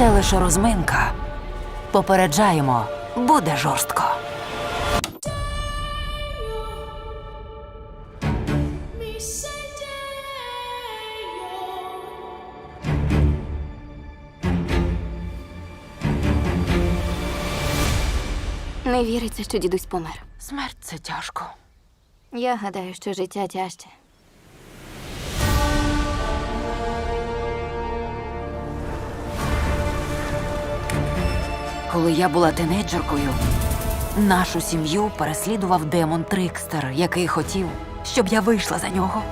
Це лише розминка. Попереджаємо, буде жорстко. Не віриться, що дідусь помер. Смерть – це тяжко. Я гадаю, що життя тяжче. Коли я була тинейджеркою, нашу сім'ю переслідував демон Трикстер, який хотів, щоб я вийшла за нього.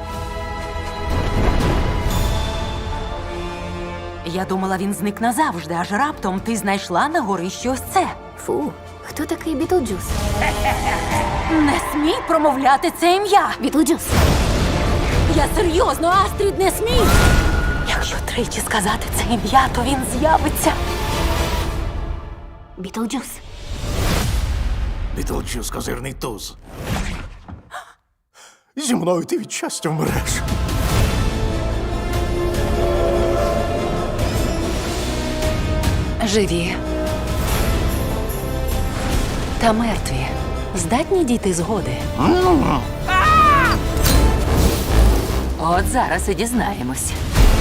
Я думала, він зник назавжди, аж раптом ти знайшла на горищі ось це. Фу, хто такий Бітлджус? Не смій промовляти це ім'я! Бітлджус! Я серйозно, Астрід, не смій! Якщо тричі сказати це ім'я, то він з'явиться. Бітлджус! Бітлджус – козирний туз. Зі мною ти від щастя вмреш. Живі та мертві здатні дійти згоди. От зараз і дізнаємось.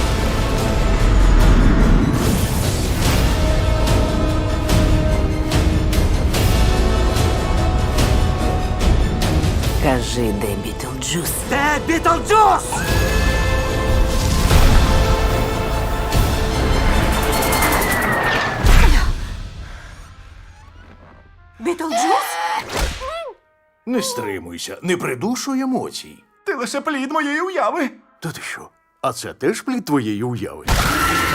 Кажи, де Бітлджус? Де Бітлджус? Бітлджус? Не стримуйся, не придушуй емоцій. Ти лише плід моєї уяви. Та ти що? А це теж плід твоєї уяви?